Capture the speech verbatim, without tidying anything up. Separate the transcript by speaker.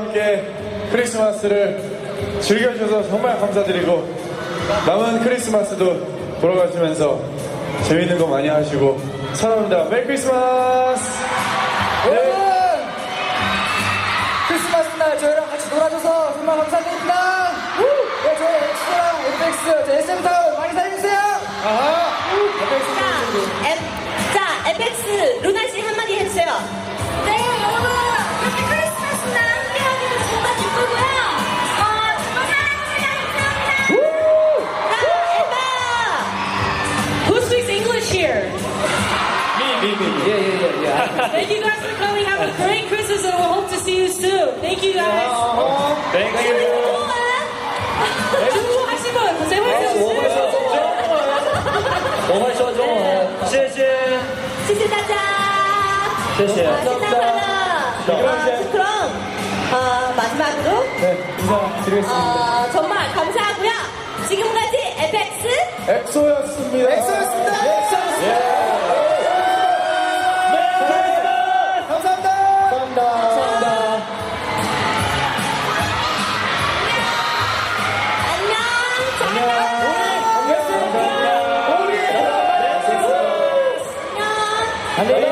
Speaker 1: 함께 크리스마스를 즐겨주셔서 정말 감사드리고 남은 크리스마스도 돌아가시면서 재밌는 거 많이 하시고 사랑합니다. 메리 크리스마스!
Speaker 2: 여러분! 크리스마스 날 저희랑 같이 놀아줘서 정말 감사드립니다. 네, 저희 엑스랑 에프엑스, 저희 에스엠타운 많이 사랑해주세요.
Speaker 1: 아하!
Speaker 3: 자, 에, 자, 에펙스 루나 씨 한마디 해주세요. 네, 여러분, 이렇게 크리스마스 날 함께하기도 정말 기쁘고요. 어, 정말 사랑합니다. 감사합니다. 자, 에바! Who speaks English here?
Speaker 1: 미, 미, 미.
Speaker 2: 예, 예, 예, 예.
Speaker 3: Thank you guys for coming. Have a great Christmas and we'll hope to see you soon. Thank you guys.
Speaker 1: Thank you.
Speaker 3: 중국 하신 분, 고생 많으셨어요.
Speaker 2: 我会说中文，谢谢，
Speaker 3: 谢谢大家。
Speaker 2: 谢谢。
Speaker 3: 아, 신난 하나. 아, 그럼 어, 마지막으로
Speaker 1: 네, 인사드리겠습니다.
Speaker 3: 어, 정말 감사하고요. 지금까지 에펙스
Speaker 1: 엑소였습니다.
Speaker 2: 엑소였습니다.
Speaker 1: 예.
Speaker 2: 감사합니다.
Speaker 1: 감사합니다. 감사합니다.
Speaker 3: 안녕. 잘
Speaker 1: 안녕.
Speaker 3: 안녕.
Speaker 1: 안녕.